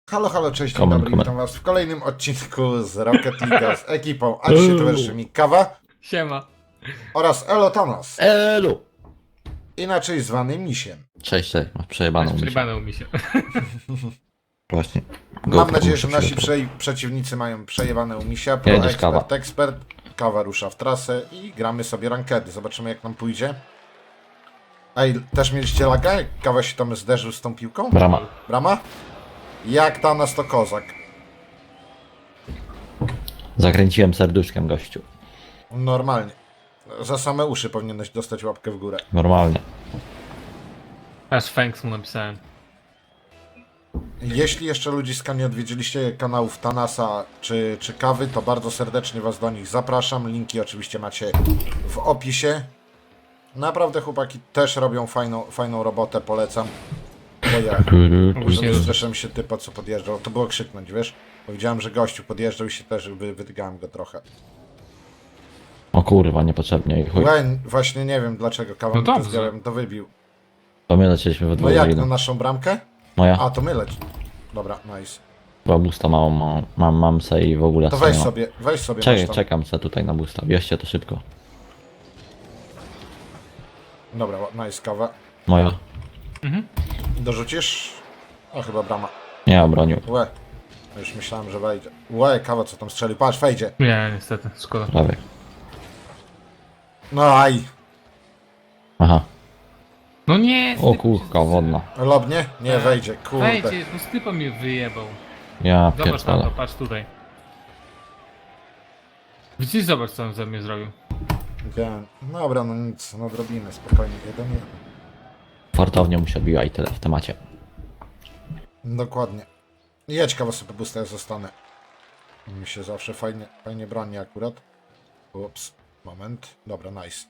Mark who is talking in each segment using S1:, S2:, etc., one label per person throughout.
S1: Halo, halo, cześć, dzień
S2: Comment,
S1: dobry,
S2: comment.
S1: witam was w kolejnym odcinku z Rocket League z ekipą, a dzisiaj towarzyszy mi Kawa
S3: Siema.
S1: oraz Elo Thomas,
S2: Elu!
S1: inaczej zwany Misiem.
S2: Cześć, cześć, masz przejebaną mi się.
S3: Przybanął mi się.
S2: Właśnie.
S1: Mam
S2: GoPro
S1: nadzieję,
S2: muszę
S1: że nasi
S2: przygotować.
S1: przeciwnicy mają przejewane u Misia, pro
S2: Jedziesz, Kawa.
S1: ekspert. Kawa rusza w trasę i gramy sobie rankedy, zobaczymy jak nam pójdzie. Ej, też mieliście laga? Jak Kawa się tam zderzył z tą piłką?
S2: Brama.
S1: Brama? Jak ta nas to kozak.
S2: Zakręciłem serduszkiem, gościu.
S1: Normalnie. Za same uszy powinieneś dostać łapkę w górę.
S2: Normalnie.
S3: Aż Fanks mu napisałem.
S1: Jeśli jeszcze ludziska nie odwiedziliście kanałów Thanasa czy Kawy, to bardzo serdecznie was do nich zapraszam. Linki oczywiście macie w opisie. Naprawdę chłopaki też robią fajną robotę, polecam. Bo ja
S3: Ogólnie
S1: zresztą się typa co podjeżdżał, to było krzyknąć, wiesz? Powiedziałem, że gościu podjeżdżał i się też wydygałem go trochę.
S2: O kurwa, niepotrzebnie i chuj.
S1: Łeń, właśnie nie wiem dlaczego Kawa
S3: No
S1: mi to
S3: dobrze.
S1: zbiorem to wybił.
S2: To my lecieliśmy we
S1: No
S2: dwóch
S1: jak,
S2: za
S1: na
S2: idą.
S1: naszą bramkę?
S2: Moja.
S1: A, to my leci. Dobra, nice.
S2: Była busta małą, mam se i w ogóle
S1: To
S2: se
S1: weź
S2: nie mam.
S1: sobie, masz
S2: Czekaj,
S1: tam.
S2: czekam se tutaj na busta. Wieźcie to szybko.
S1: Dobra, nice Kawa.
S2: Moja.
S1: Dorzucisz? O, chyba brama.
S2: Nie obronił.
S1: Łe. Już myślałem, że wejdzie. Łe, Kawa co tam strzelił. Patrz, wejdzie.
S3: Nie, niestety, szkoda.
S2: Prawie.
S1: No aj.
S2: Aha.
S3: No nie!
S2: O kurka wodna.
S1: Lobnie? Nie, wejdzie. Kurde.
S3: Wejdźcie, bo stypa mnie wyjebał.
S2: Ja
S3: Zobacz na to,
S2: pierdolę.
S3: patrz tutaj. Widzisz, zobacz co on ze mnie zrobił.
S1: Wiem. Dobra, no nic, nadrobimy. Spokojnie. 1-1.
S2: Fartownia mu się odbiła i tyle w temacie.
S1: Dokładnie. Jedź Kawa sobie pusta, ja zostanę. Mi się zawsze fajnie broni akurat. Ups. Moment. Dobra, nice.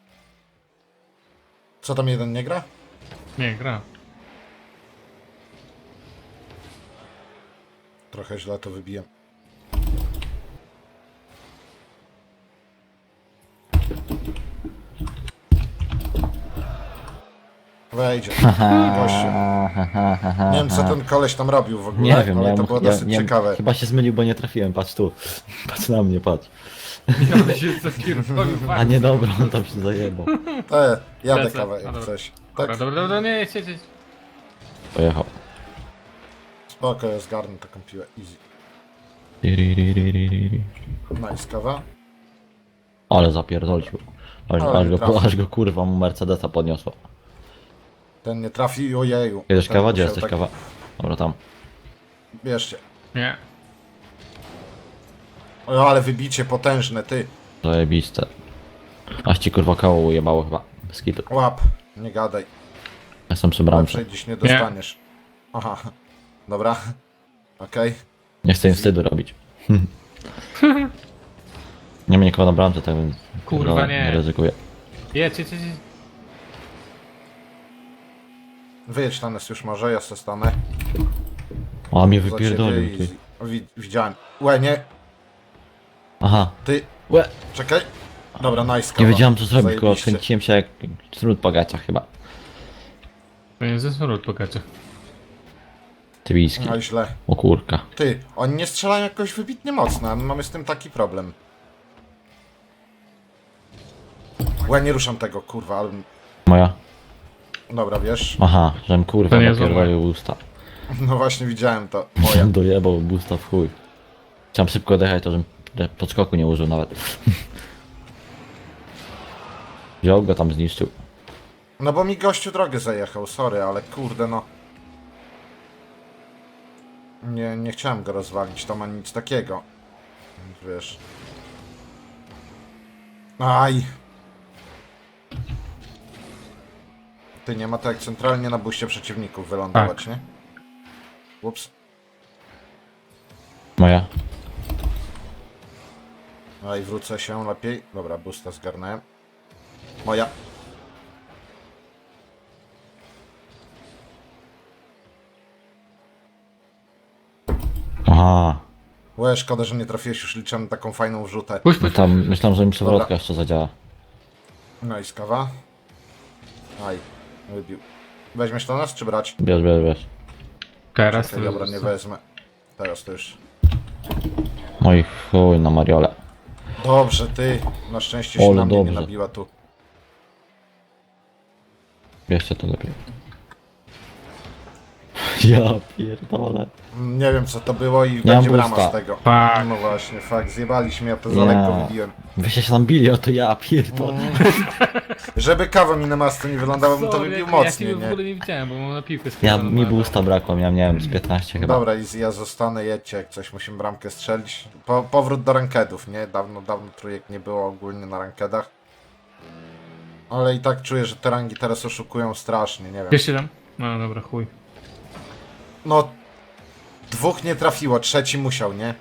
S1: Co tam jeden nie gra?
S3: Nie, gra.
S1: Trochę źle to wybiłem. Wejdzie. Gościu. Nie wiem co ten koleś tam robił w ogóle,
S2: Nie wiem,
S1: ale
S2: ja
S1: to
S2: mu-
S1: było
S2: ja-
S1: dosyć
S2: nie-
S1: ciekawe.
S2: Chyba się zmylił, bo nie trafiłem. Patrz tu. Patrz na mnie, patrz.
S3: Ja się zapierdolił
S2: A nie dobra, on tam się zajebał.
S1: Jadę
S3: Lecę.
S1: kawę
S3: A,
S1: jak
S3: dobra.
S1: coś.
S3: Dobra,
S1: Tak,
S3: dobra, nie, jedź.
S2: Pojechał.
S1: spoko, ja zgarnę taką piłę, easy. Nice, kawa.
S2: Ale zapierdolił.
S1: Ale nie trafił.
S2: Aż go kurwa mu Mercedesa podniosło.
S1: Ten nie trafi, ojeju.
S2: Jedziesz
S1: Ten
S2: kawa? Gdzie
S1: musiał
S2: jesteś
S1: tak-
S2: kawa? Dobra, tam.
S1: Bierzcie.
S3: Nie.
S1: O, ale wybicie potężne, ty.
S2: Zajebiste. Aż ci kurwa koło ujebało chyba. Bez kitu.
S1: Łap, nie gadaj.
S2: Jestem przy bramce.
S1: Lepszej dziś nie dostaniesz. Aha, dobra. Okej.
S2: Nie chcę im wstydu robić. Nie ma nikogo na bramce, tak więc...
S3: Kurwa, nie.
S2: Nie ryzykuję.
S3: Jedź.
S1: Wyjedź na nas już może, ja se stanę.
S2: O, mnie
S1: Za
S2: wypierdolił,
S1: ciebie
S2: ty.
S1: Widziałem. Łe, nie,
S2: Aha.
S1: ty.
S2: Łe.
S1: Czekaj. Dobra, nice, kawa.
S2: Nie wiedziałem co zrobić, tylko
S1: Zajebiście.
S2: kręciłem się jak trud po gaciach chyba.
S3: To nie ze smród pokacie.
S2: Tybijski.
S1: No i źle.
S2: O kurka.
S1: Ty, oni nie strzelają jakoś wybitnie mocno, a my mamy z tym taki problem. Łe, nie ruszam tego, kurwa, ale...
S2: Moja?
S1: Dobra, wiesz.
S2: Aha, żem kurwa
S3: To nie
S2: napierdolił usta.
S1: No właśnie widziałem to. Moja.
S2: Dojebał busta w chuj. Chciałem szybko odjechać, to żebym podskoku nie użył nawet. Wziął go tam, zniszczył.
S1: No bo mi gościu drogę zajechał, sorry, ale kurde no. Nie chciałem go rozwalić, to ma nic takiego. Więc wiesz. Aj! Ty, nie ma tak jak centralnie na buście przeciwników wylądować, nie? Ups.
S2: Moja?
S1: Aj, wrócę się lepiej. Dobra, busta zgarnąłem. Moja.
S2: Aha.
S1: Łe, szkoda, że nie trafiłeś, już liczę na taką fajną wrzutę.
S3: Puść.
S2: Myślałem, że mi przewrotka
S1: Dobra.
S2: jeszcze zadziała.
S1: No i skawa. Aj, wybił. Weźmiesz to nas, czy brać?
S2: Bierz.
S3: Teraz
S1: Czekaj, dobra, nie wezmę. teraz to już.
S2: Oj chuj na Mariole.
S1: Dobrze, ty. Na szczęście się
S2: Ole,
S1: na mnie nie
S2: dobrze.
S1: nabiła tu.
S2: Bierzcie to lepiej. Ja pierdolę.
S1: Nie wiem co to było i
S2: mam
S1: będzie brama
S2: boosta.
S1: z tego.
S3: Fuck.
S1: No właśnie, fakt, zjebaliśmy, ja to za lekko wybiłem.
S2: Wyście się tam bili, o to ja pierdolę.
S1: Żeby kawa mi na masce nie wylądała, bym to
S3: Sorry,
S1: wybił
S3: ja
S1: mocniej,
S3: ciebie w
S1: nie?
S3: ogóle nie widziałem, bo mam na piłkę
S2: Ja,
S3: skierowaną.
S2: mi boosta brakło, miałem, nie wiem, z 15 chyba.
S1: Dobra, Izzy, ja zostanę, jedźcie, jak coś musimy bramkę strzelić. Powrót do rankedów, nie? Dawno trójek nie było ogólnie na rankedach. Ale i tak czuję, że te rangi teraz oszukują strasznie, nie wiem.
S3: Bierzcie tam? No dobra, chuj.
S1: No, dwóch nie trafiło, trzeci musiał, nie?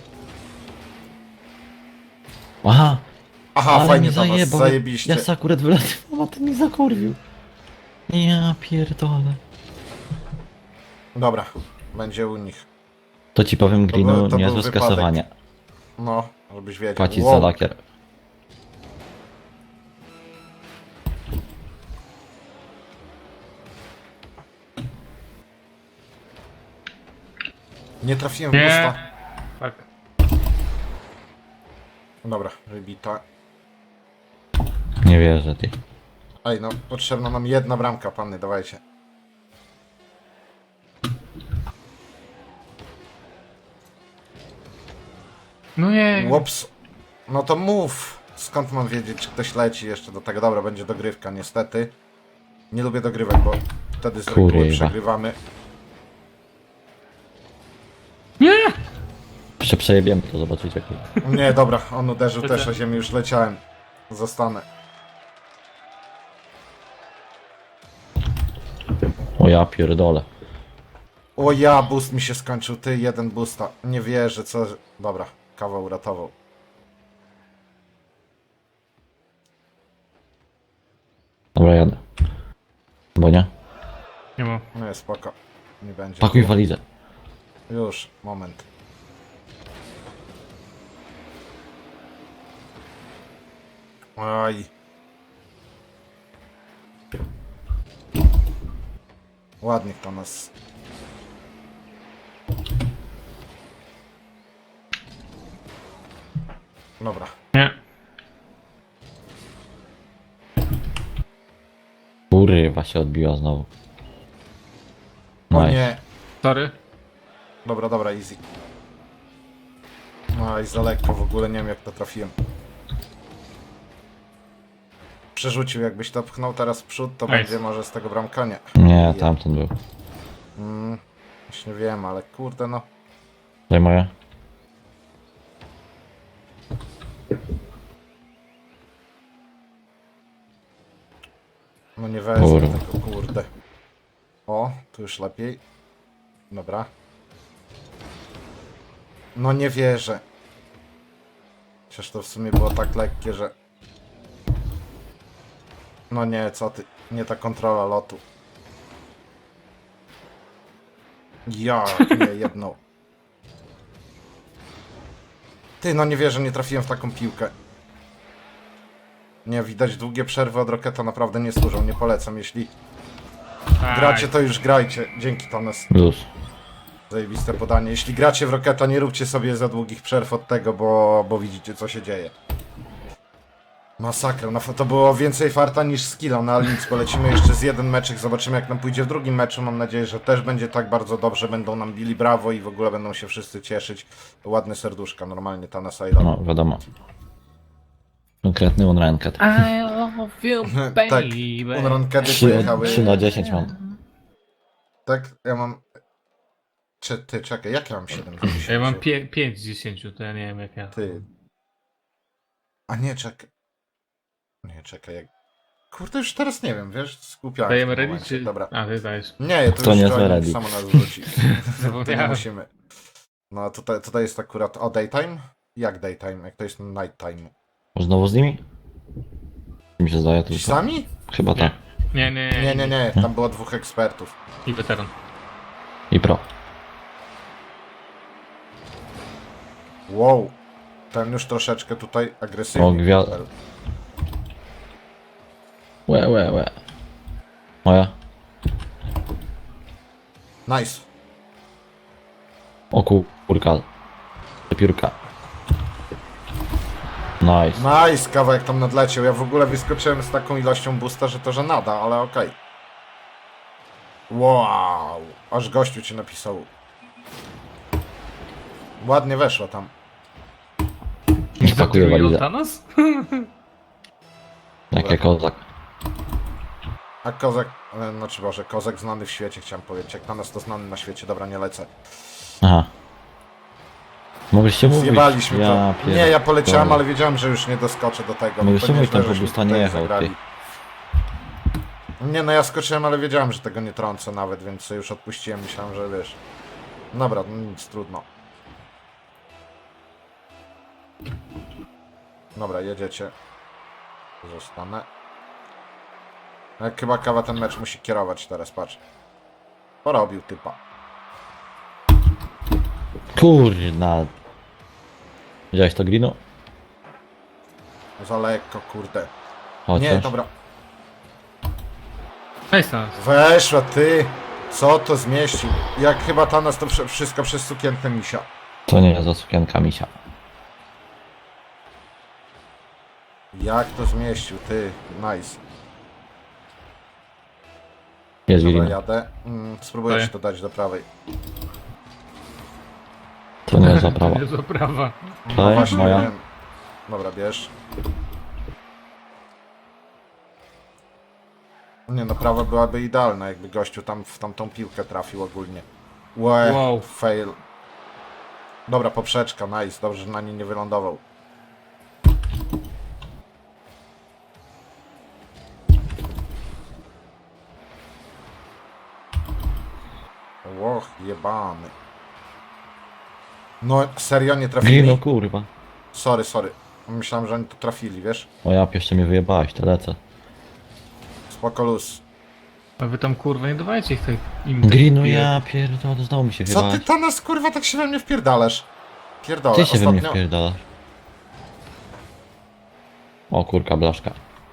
S2: Aha,
S1: Aha,
S2: ale
S1: fajnie
S2: mi
S1: to was,
S2: zajebał.
S1: zajebiście.
S2: Ja se akurat wylatywałem, a ten mi zakurwił. Ja pierdolę.
S1: Dobra, będzie u nich.
S2: To ci powiem,
S1: To był
S2: Greenu, niezłe
S1: wypadek.
S2: skasowanie.
S1: No, żebyś wiedział.
S2: Płacić
S1: Wow.
S2: za lakier.
S1: Nie trafiłem w
S3: Nie.
S1: usta.
S3: Fuck.
S1: Dobra, wybita.
S2: Nie wierzę, ty.
S1: Ej, no, potrzebna nam jedna bramka, panny, dawajcie.
S3: No nie.
S1: Łops. No to mów. Skąd mam wiedzieć, czy ktoś leci jeszcze do tego? Dobra, będzie dogrywka, niestety. Nie lubię dogrywek, bo wtedy z reguły
S2: Kurwa.
S1: przegrywamy.
S3: Nie!
S2: Jeszcze przejebiemy to, zobaczycie. kurwa.
S1: Nie, dobra, on uderzył
S3: To
S1: też
S3: co?
S1: o ziemię, już leciałem. Zostanę.
S2: O ja pierdolę.
S1: O ja, boost mi się skończył, ty, jeden boosta. Nie wierzę, co... Dobra, kawał uratował.
S2: Dobra, jadę. Bo nie?
S3: Nie ma.
S1: No jest spoko. Nie będzie.
S2: Pakuj walizę.
S1: Już, moment. Oj. Ładnie to nas. Dobra.
S3: Nie.
S2: Kurwa się odbiła znowu.
S1: O
S2: Nice.
S1: nie.
S3: Sorry.
S1: Dobra, dobra, easy. Oj, za lekko, w ogóle nie wiem jak to trafiłem. Przerzucił, jakbyś to pchnął teraz w przód, to
S3: Nice.
S1: będzie może z tego bramka, nie.
S2: Nie, tamten był.
S1: Właśnie wiem, ale kurde no.
S2: Daj moje.
S1: No nie wezmę
S2: Kurwa.
S1: tego, kurde. O, tu już lepiej. Dobra. No nie wierzę. Chociaż to w sumie było tak lekkie, że... No nie, co ty. Nie ta kontrola lotu. Ja, nie, jedną. Ty, no nie wierzę, nie trafiłem w taką piłkę. Nie, widać długie przerwy od Roketa naprawdę nie służą, nie polecam. Jeśli gracie, to już grajcie. Dzięki, Tones.
S2: Luz.
S1: Zajebiste podanie. Jeśli gracie w Roketa, nie róbcie sobie za długich przerw od tego, bo widzicie, co się dzieje. Masakra. No, to było więcej farta niż skilla, no ale nic, polecimy jeszcze z jeden meczek, zobaczymy jak nam pójdzie w drugim meczu. Mam nadzieję, że też będzie tak bardzo dobrze, będą nam bili brawo i w ogóle będą się wszyscy cieszyć. Ładne serduszka, normalnie ta Nasaida.
S2: No, wiadomo. Konkretny unranked.
S3: I love you, baby.
S1: Tak, unrankedy pojechały.
S2: 3 na 10 mam.
S1: Tak, ja mam... Ty, czekaj, jak ja mam 7?
S3: Ja mam 5 z 10, to ja nie wiem jak ja.
S1: Ty. A nie, czekaj. Nie, czekaj, jak... Kurde, już teraz nie wiem, wiesz, skupiałem się w
S3: Dajemy
S1: tym
S3: ready
S1: momencie.
S3: czy...
S1: Dobra.
S3: A, ty dajesz.
S1: Nie, to
S2: To
S1: już
S2: nie
S1: joining
S2: ready.
S1: samo nas wrzuci. To nie
S3: Zapomniałem.
S1: musimy. No, tutaj jest akurat o daytime? Jak daytime? Jak to jest nighttime?
S2: Znowu z nimi? Mi się zdaje
S1: Ci
S2: tylko.
S1: sami?
S2: Chyba tak.
S3: Nie.
S1: Nie, tam było dwóch ekspertów.
S3: I weteran.
S2: I pro.
S1: Wow. Ten już troszeczkę tutaj agresywnie.
S2: O, Łe. Moja.
S1: Nice.
S2: O kurka. Piórka. Nice.
S1: Nice, kawałek tam nadleciał. Ja w ogóle wyskoczyłem z taką ilością boosta, że to żenada, ale okej. Wow, aż gościu ci napisał. Ładnie weszło tam.
S2: Niech pakuje walizę.
S3: Thanos?
S2: Jak kozak.
S1: A kozak, znaczy Boże, kozak znany w świecie chciałem powiedzieć. Jak na nas to znany na świecie, dobra, nie lecę.
S2: Aha. Mogliście mówić.
S1: Zjebaliśmy to.
S2: pier-
S1: Nie, ja poleciałem,
S2: Dobra.
S1: ale wiedziałem, że już nie doskoczę do tego.
S2: Mogliście
S1: To
S2: mówić,
S1: nieźle,
S2: tam po
S1: żeśmy
S2: busta nie
S1: tutaj
S2: jechał,
S1: zagrali.
S2: ty.
S1: Nie, no ja skoczyłem, ale wiedziałem, że tego nie trącę nawet, więc sobie już odpuściłem. Myślałem, że wiesz. Dobra, no nic, trudno. Dobra, jedziecie. Zostanę. Jak chyba kawa ten mecz musi kierować teraz, patrz. Porobił typa.
S2: Kurna. Widziałeś to, Grino?
S1: Za lekko, kurde.
S2: Chociaż.
S1: Nie, dobra.
S3: Cześć Thanos.
S1: Weszła ty! Co to zmieścił? Jak chyba Thanos to wszystko przez sukienkę misia.
S2: To nie za sukienka misia.
S1: Jak to zmieścił, ty? Nice.
S2: Jest
S1: Dobra,
S2: Grino.
S1: jadę. Spróbuję
S3: Daję.
S1: ci to dać do prawej.
S2: To nie jest zaprawa.
S3: To zaprawa.
S1: No
S2: To jest
S1: właśnie,
S2: moja.
S1: wiem. Dobra, bierz. Nie no, prawa byłaby idealna, jakby gościu tam w tamtą piłkę trafił ogólnie.
S3: Wow.
S1: Fail. Dobra, poprzeczka, nice. Dobrze, że na niej nie wylądował. Łoch, jebany. No, serio nie trafili?
S2: Grino, kurwa.
S1: Sorry, sorry. Myślałem, że oni tu trafili, wiesz?
S2: O ja jeszcze mnie wyjebałeś, to lecę.
S1: Spoko luz.
S3: A wy tam kurwa nie dawajcie ich tej im
S2: Grino,
S3: tej-
S2: ja pierdolę, znowu mi się
S1: Co ty
S2: wyjebałeś.
S1: to nas kurwa tak się we mnie wpierdalasz? Pierdolę,
S2: Ty się we mnie
S1: ostatnio...
S2: wpierdalasz. O kurka, blaszka.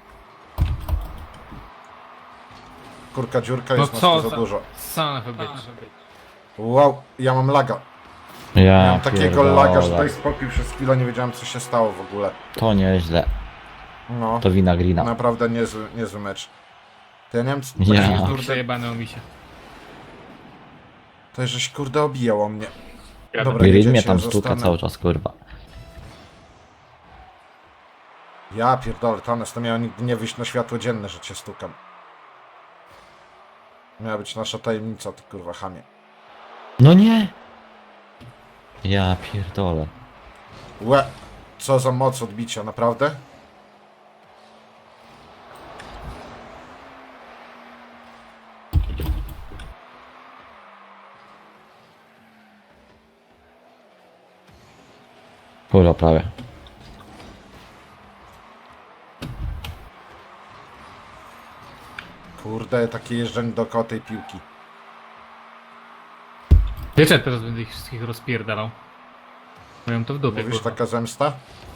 S1: Kurka dziurka
S3: No
S1: jest nas
S3: co
S1: tu za dużo.
S3: Son of a bitch.
S1: Wow, ja mam laga.
S2: Ja
S1: Miałem takiego
S2: pierdolę.
S1: laga, że daj spokój przez chwilę, nie wiedziałem co się stało w ogóle.
S2: To nieźle.
S1: No,
S2: To wina Grina.
S1: naprawdę niezły mecz. To ja nie wiem, co
S2: Ja.
S1: tak,
S3: Kurde
S1: kurde,
S3: jebane o misie.
S1: to żeś kurde obijał o mnie.
S3: Ja
S1: Dobra,
S2: Green
S1: jedziecie,
S2: mnie tam
S1: ja
S2: stuka
S1: zostanę.
S2: cały czas, kurwa.
S1: Ja pierdolę, Thanos, to miało nigdy nie wyjść na światło dzienne, że cię stukam. Miała być nasza tajemnica, ty kurwa chamie.
S2: No nie! Ja pierdolę.
S1: Łe, co za moc odbicia, naprawdę?
S2: Kurwa, prawie.
S1: Kurde, takie jeżdżenie dookoła tej piłki.
S3: Wiecie, teraz będę ich wszystkich rozpierdalał. Mają to w dupie,
S1: Mówisz
S3: kurwa.
S1: taka zemsta?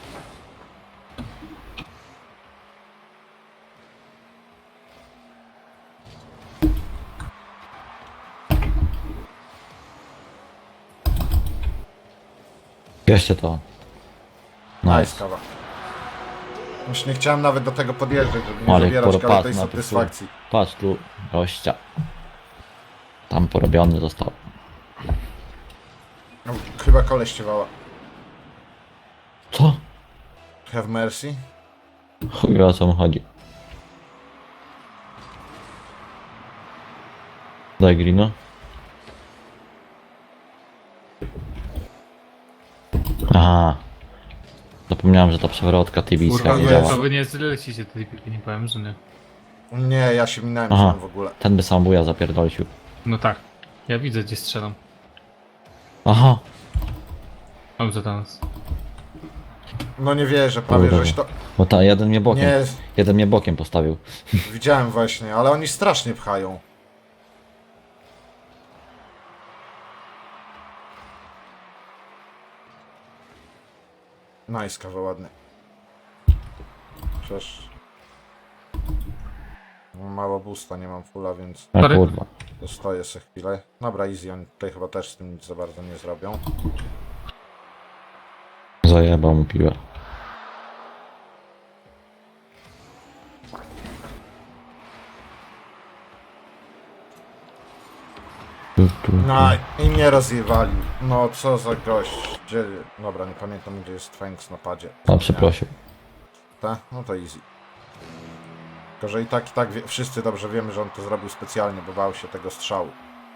S2: Bierzcie to.
S1: Nice,
S2: Nice.
S1: kawa. Już nie chciałem nawet do tego podjeżdżać, żeby nie
S2: Marek,
S1: zabierać kawa tej
S2: patrz na to,
S1: satysfakcji.
S2: patrz tu, gościa. Tam porobiony został.
S1: No, chyba koleś ciewała.
S2: Co?
S1: Have mercy?
S2: Chuj wie, o co mu chodzi. Daj Grino. Aha. Zapomniałem, że ta przewrotka tibijska
S3: Kurwa,
S2: nie
S1: nie,
S2: działa.
S3: to wy nie zlecicie tej piłki, nie powiem, że nie.
S1: Nie, ja się minąłem
S2: Aha.
S1: w ogóle.
S2: Ten by sam buja zapierdolił.
S3: No tak. Ja widzę, gdzie strzelam.
S2: Aha.
S3: Mam za Thanos.
S1: No nie wierzę, prawie
S2: Kurde.
S1: żeś to...
S2: Bo ta jeden mnie bokiem.
S1: Nie,
S2: Jeden mnie bokiem postawił.
S1: widziałem właśnie, ale oni strasznie pchają. Nice, kawa ładny. Przecież... Mam mało boosta, nie mam fulla, więc...
S2: A
S3: Sorry.
S2: kurwa.
S1: Stoję sobie chwilę. Dobra, easy, oni tutaj chyba też z tym nic za bardzo nie zrobią.
S2: Zajebał mu piłę.
S1: No i mnie rozjewali. No co za gość. Gdzie... Dobra, nie pamiętam gdzie jest Fangs na padzie.
S2: A przeprosił.
S1: Tak? No to easy. Tylko, że i tak wszyscy dobrze wiemy, że on to zrobił specjalnie, bo bał się tego strzału.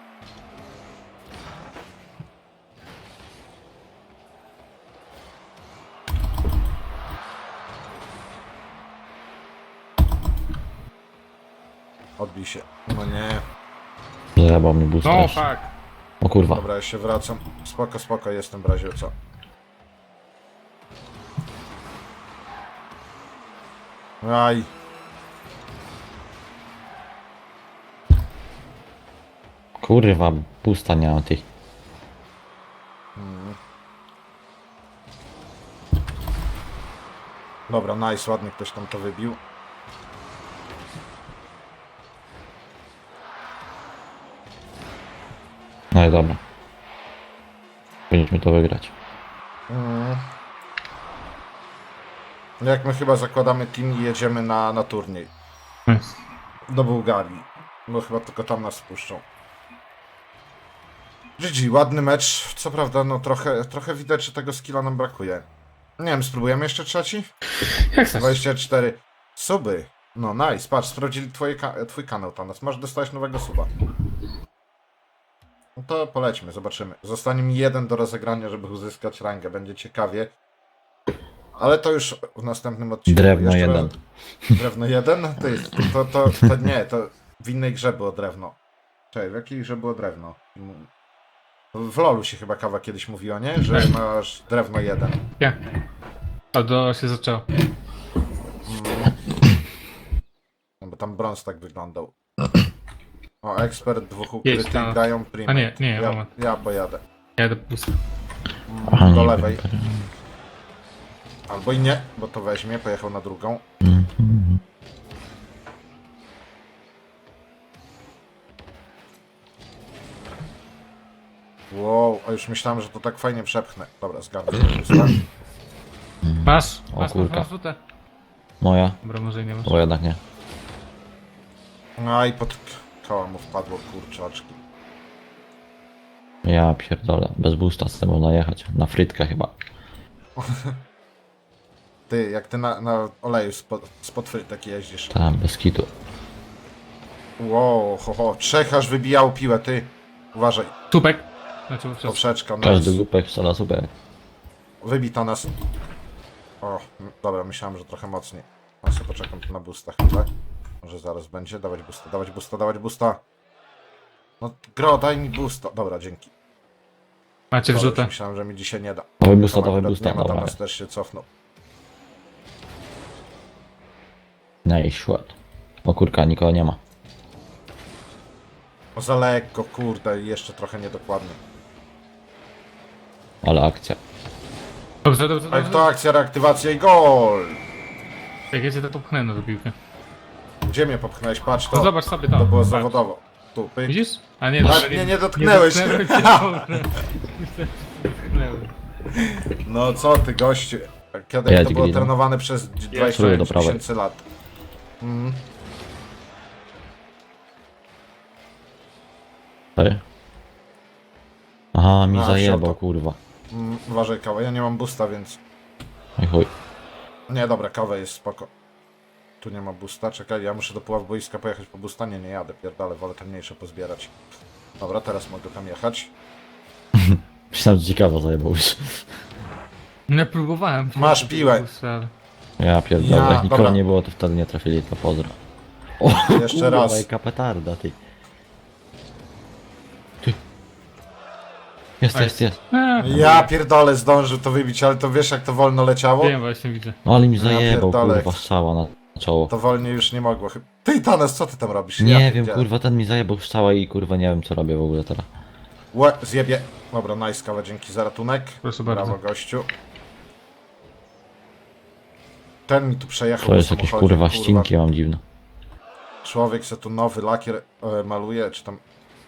S1: Odbij się. No nie.
S2: Zajebał mi boost
S3: No
S2: też.
S3: fuck.
S2: O kurwa.
S1: Dobra, ja się wracam. Spoko, spoko, jestem w razie co. Aj.
S2: Kurwa, boosta nie mam tych.
S1: Dobra, nice, ładnie ktoś tam to wybił.
S2: No i dobra. Powinniśmy to wygrać.
S1: Jak my chyba zakładamy team i jedziemy na turniej.
S3: Nice.
S1: Do Bułgarii. Bo chyba tylko tam nas wpuszczą. GG, ładny mecz. Co prawda, no trochę widać, że tego skilla nam brakuje. Nie wiem, spróbujemy jeszcze trzeci?
S3: Jak chcesz?
S1: 24 suby. No nice, patrz, sprawdzili twój kanał tam. Masz dostać nowego suba. No to polećmy, zobaczymy. Zostanie mi jeden do rozegrania, żeby uzyskać rangę. Będzie ciekawie. Ale to już w następnym odcinku.
S2: Drewno
S1: Jeszcze
S2: jeden.
S1: Drewno jeden? To nie, to w innej grze było drewno. Czekaj, w jakiej grze było drewno? W LoLu się chyba Kawa kiedyś mówiło, nie? Że masz drewno jeden.
S3: Ja. A do się zaczęło.
S1: No bo tam brąz tak wyglądał. O, ekspert, dwóch
S3: Jedź
S1: ukrytych
S3: tam.
S1: grają primate.
S3: A nie,
S1: ja,
S3: moment.
S1: ja pojadę.
S3: Ja jadę pusto.
S2: Aha,
S1: Do
S2: nie
S1: lewej.
S2: wiem.
S1: Albo i nie, bo to weźmie, pojechał na drugą. Wow, a już myślałem, że to tak fajnie przepchnę. Dobra, zgadzam się.
S3: Masz?
S2: O
S3: Masz,
S2: kurka.
S3: masz rzutę.
S2: Moja?
S3: Dobra, może nie masz.
S2: Bo jednak nie.
S1: No i pod koła mu wpadło, kurczaczki.
S2: Ja pierdolę. Bez boosta z tym można jechać. Na frytkę chyba.
S1: Ty, jak ty na oleju spod frytek jeździsz.
S2: Tam, bez kitu.
S1: Wow, trzech aż wybijał piłę, ty. Uważaj,
S3: Tupek. Znaczy, przez...
S1: poprzeczka,
S2: Każdy
S1: nice.
S2: głupek wsada super.
S1: Wybita nas. O, dobra, myślałem, że trochę mocniej. Ja sobie poczekam tu na boosta chwilę. Może zaraz będzie. Dawać boosta, dawać boosta, dawać boosta. No, gro, daj mi boosta. Dobra, dzięki.
S3: Macie
S1: Dobra,
S3: wrzutę.
S1: już myślałem, że mi dzisiaj nie da.
S2: Dawaj boosta,
S1: Tam
S2: dawaj
S1: akurat
S2: boosta,
S1: nie ma, tam
S2: dawaj.
S1: nas też się cofnął.
S2: Nice shot. O kurka, nikogo nie ma.
S1: O, za lekko, kurde, i jeszcze trochę niedokładnie.
S2: Ale akcja.
S3: Dobrze, dobrze,
S1: A jak
S3: dobrze.
S1: to akcja, reaktywacja i gol!
S3: Jak ja cię to popchnę na piłkę.
S1: Gdzie mnie popchnąłeś? Patrz,
S3: No
S1: to,
S3: zobacz sobie tam.
S1: to było
S3: Patrz.
S1: zawodowo. Tu, pyk.
S3: Widzisz? A nie,
S1: A,
S3: dobra,
S1: nie dotknęłeś.
S3: Nie dotknęłem cię, dobra. Myślałem, że dotknąłem.
S1: No co ty, gościu. Kiedy
S2: Ja
S1: to było
S2: ci
S1: trenowane przez
S2: Czuję
S1: 25
S2: do prawej.
S1: tysięcy lat.
S2: Sorry. Aha, mi
S1: A,
S2: zajebał,
S1: siota.
S2: kurwa.
S1: Uważaj, kawa, ja nie mam boosta, więc...
S2: Oj chuj.
S1: Nie, dobra, kawa jest spoko. Tu nie ma boosta, czekaj, ja muszę do Puław boiska pojechać po boosta. Nie jadę, pierdolę, wolę te mniejsze pozbierać. Dobra, teraz mogę tam jechać.
S2: Myślałem, że ciekawa zajebał już.
S3: Nie próbowałem.
S1: Masz piłę.
S2: Ja
S1: Ja,
S2: pierdolę, jak nikogo
S1: dobra.
S2: nie było, to wtedy nie trafili, to pozdro. O,
S1: Jeszcze
S2: kurwa,
S1: raz.
S2: jaka petarda, ty. Ty. Jest.
S1: Ja pierdolę, zdążył to wybić, ale to wiesz jak to wolno leciało?
S3: Wiem, właśnie widzę.
S2: No ale mi
S1: Ja
S2: zajebał,
S1: pierdolę.
S2: kurwa, strzała na czoło.
S1: To wolniej już nie mogło. Ty, Tanes, co ty tam robisz?
S2: Nie
S1: Ja
S2: wiem,
S1: pierdzielę.
S2: kurwa, ten mi zajebał strzała i kurwa nie wiem co robię w ogóle teraz.
S1: Łe, zjebie. Dobra, nice, kawa, dzięki za ratunek.
S3: Proszę bardzo.
S1: Brawo, gościu. Ten mi tu przejechał
S2: To
S1: po
S2: jest jakieś
S1: samochodzie,
S2: kurwa ścinki, ja mam dziwne.
S1: Człowiek se tu nowy lakier maluje, czy tam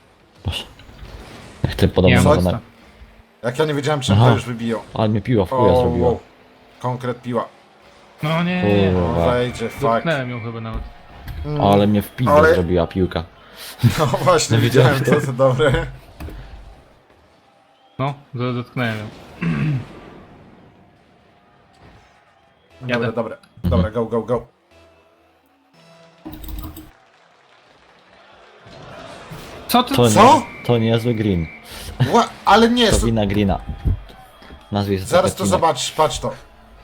S2: Boże. Jak ty
S3: Nie
S2: podobno
S3: mam
S1: Co?
S2: na...
S3: mocno.
S1: Jak ja nie wiedziałem, czym
S2: Aha.
S1: to już wybiją.
S2: Ale mnie piła w chuja zrobiła.
S1: wow. Konkret piła.
S3: No nie.
S2: Kurwa.
S1: Wejdzie, fuck.
S3: Dotknąłem ją chyba nawet.
S2: Ale mnie w pizdę
S1: Ale-
S2: zrobiła piłka.
S1: No właśnie,
S2: No
S1: widziałem
S2: widziałem
S1: to, to dobre.
S3: No, dotknąłem ją.
S1: Dobre,
S3: Jadę.
S1: dobre. Dobra, go, go, go.
S3: Co ty?
S2: To
S1: Co?
S2: Nie, to niezły green.
S1: Ale nie,
S2: To wina greena. Nazwij sobie
S1: zaraz to
S2: odcinek.
S1: zobaczysz, patrz to.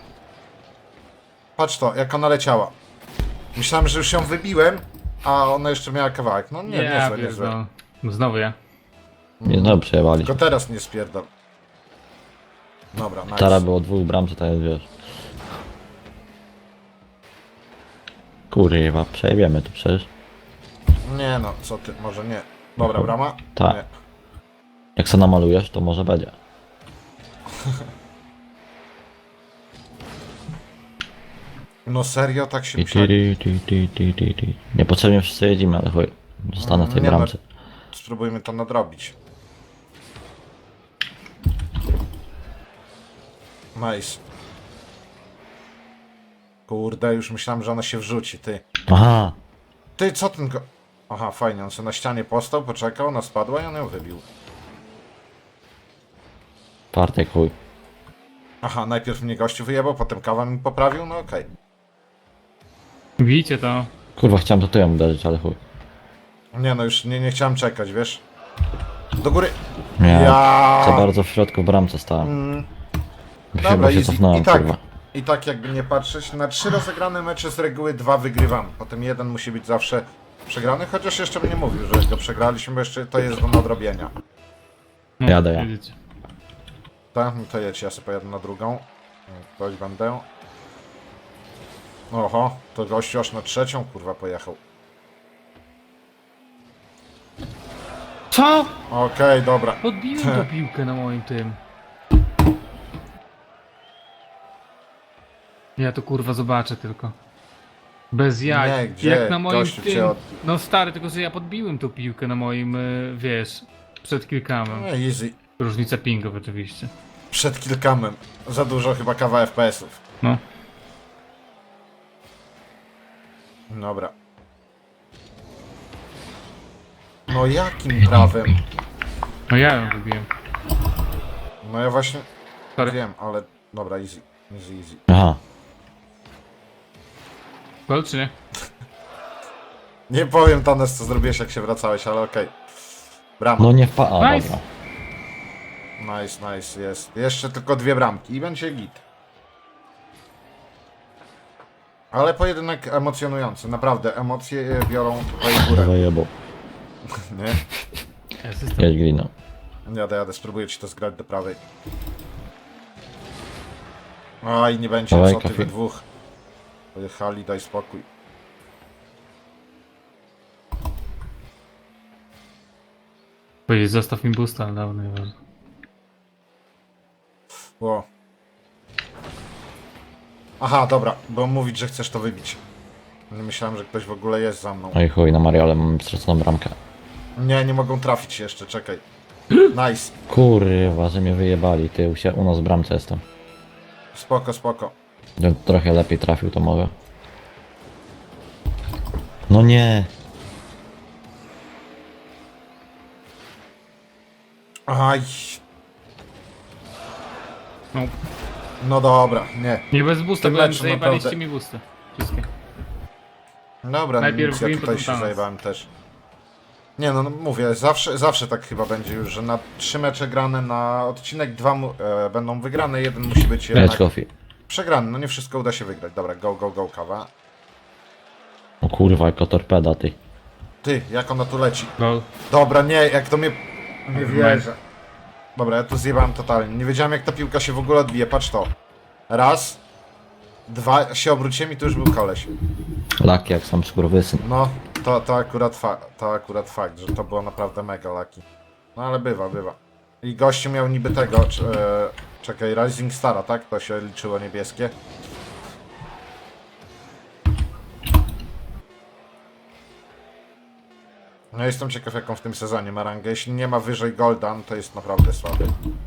S1: Patrz to, jak ona leciała. Myślałem, że już ją wybiłem, a ona jeszcze miała kawałek. No nie,
S3: Ja
S1: niezłe, niezłe.
S3: pierdolę. No znowu ja.
S2: Nie, no przejebali.
S1: Tylko teraz nie spierdol. Dobra, nice.
S2: Teraz było 2 bramce, tak jest, wiesz. Kurwa, przejebiemy tu przecież.
S1: Nie no, co ty, może nie. Dobra, brama?
S2: Tak.
S1: Nie.
S2: Jak se namalujesz, to może będzie.
S1: No serio, tak się
S2: Ti,
S1: musieli...
S2: ti, ti, ti, ti, ti. Niepotrzebnie wszyscy jedziemy, ale chuj. Zostanę w tej
S1: Nie no.
S2: bramce.
S1: Spróbujmy to nadrobić. Nice. Kurde, już myślałem, że ona się wrzuci, ty.
S2: Aha!
S1: Ty, co ten go... Aha, fajnie, on sobie na ścianie postał, poczekał, ona spadła i on ją wybił.
S2: Partek chuj.
S1: Aha, najpierw mnie gościu wyjebał, potem kawa mi poprawił, no okej.
S3: Widzicie to?
S2: Kurwa, chciałem to tyłem uderzyć, ale chuj.
S1: Nie no, już nie chciałem czekać, wiesz? Do góry!
S2: Nie,
S1: Ja.
S2: za bardzo w środku w bramce stałem.
S1: Dobra,
S2: Chyba się
S1: easy.
S2: cofnąłem,
S1: I tak,
S2: kurwa.
S1: i tak jakby nie patrzeć, na 3 rozegrane mecze z reguły 2 wygrywamy. Potem jeden musi być zawsze przegrany, chociaż jeszcze bym nie mówił, że go przegraliśmy, bo jeszcze to jest do nadrobienia.
S3: No,
S2: Jadę ja.
S3: widzicie.
S1: Tak, no to jedź, ja sobie pojadę na drugą. Ktoś będę. Oho, to gościu aż na 3, kurwa, pojechał.
S3: Co?
S1: Okej, dobra.
S3: Podbiłem tą piłkę na moim tym. Ja to kurwa zobaczę tylko. Bez jaj.
S1: Nie, gdzie?
S3: Jak na moim
S1: Gościu cię
S3: tym.
S1: od...
S3: No stary, tylko że ja podbiłem tą piłkę na moim, wiesz, przed kilkamem.
S1: No easy.
S3: Różnica pingów oczywiście.
S1: Przed kilkamem. Za dużo chyba kawa FPS-ów.
S3: No.
S1: Dobra. No jakim prawem?
S3: No ja ją wybiłem.
S1: No ja właśnie
S3: Sorry.
S1: wiem, ale... Dobra, easy. Easy, easy.
S2: Aha.
S3: Gol czy nie?
S1: Nie powiem Tanes, co zrobiłeś, jak się wracałeś, ale okej. Brama.
S2: No nie wpa... A,
S3: Nice.
S2: dobra.
S1: Nice, nice, jest. Jeszcze tylko 2 bramki i będzie git. Ale pojedynek emocjonujący, naprawdę. Emocje biorą tutaj górę,
S2: Zajebał.
S1: nie?
S3: Asystent.
S2: Jedź greena.
S1: Jadę, spróbuję ci to zgrać do prawej. Oj, nie będzie,
S2: Dawaj,
S1: co ty
S2: kafi.
S1: we dwóch. Pojechali, daj spokój.
S3: Powiedzieć, zostaw mi boosta, ale dawno nieważne.
S1: Ło. Aha, dobra, bo mówić, że chcesz to wybić. Nie myślałem, że ktoś w ogóle jest za mną.
S2: No i chuj, na Mariole mam straconą bramkę.
S1: Nie mogą trafić jeszcze, czekaj. Nice.
S2: Kurwa, że mnie wyjebali, ty u nas w bramce jestem.
S1: Spoko, spoko.
S2: Gdybym trochę lepiej trafił, to może. No nie!
S1: Aj.
S3: No.
S1: No dobra, nie.
S3: Nie bez boosta,
S1: Ten
S3: byłem,
S1: mecz
S3: zajebaliście
S1: naprawdę-
S3: mi boosty. Wszystkie.
S1: Dobra,
S3: Najpierw
S1: nic, ja
S3: win,
S1: tutaj
S3: potem
S1: się
S3: Thanos.
S1: zajebałem też. Nie no, mówię, zawsze tak chyba będzie już, że na 3 mecze grane na odcinek 2 będą wygrane, jeden musi być
S2: Jedź
S1: jednak
S2: coffee.
S1: przegrany. No nie wszystko uda się wygrać. Dobra, go, go, go, kawa.
S2: O kurwa, jako torpeda, ty.
S1: Ty, jak ona tu leci?
S3: Gol.
S1: Dobra, nie, jak to mnie... Nie wierzę. Dobra, ja tu zjebałem totalnie. Nie wiedziałem, jak ta piłka się w ogóle odbije. Patrz to. Raz. 2, się obróciłem i tu już był koleś.
S2: Laki jak sam skurwysyn.
S1: No, to akurat fakt, że to było naprawdę mega lucky. No ale bywa. I gościu miał niby tego, czekaj, Rising Stara, tak? To się liczyło niebieskie. No jestem ciekaw, jaką w tym sezonie ma rangę. Jeśli nie ma wyżej Golda, no to jest naprawdę słaby.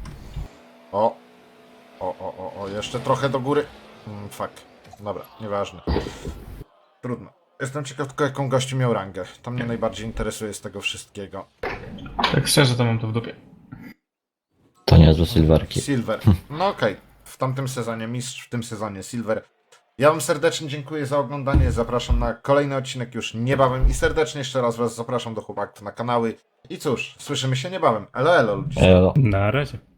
S1: O, jeszcze trochę do góry. Fuck. Dobra, nieważne. Trudno. Jestem ciekaw tylko, jaką gościu miał rangę. To mnie najbardziej interesuje z tego wszystkiego.
S3: Tak szczerze to mam to w dupie.
S2: To niezłe Silverki.
S1: Silver. No okej. W tamtym sezonie mistrz, w tym sezonie Silver. Ja wam serdecznie dziękuję za oglądanie. Zapraszam na kolejny odcinek już niebawem i serdecznie jeszcze raz was zapraszam do chłopaków na kanały. I cóż, słyszymy się niebawem. Elo, elo ludzie.
S2: Elo.
S3: Na razie.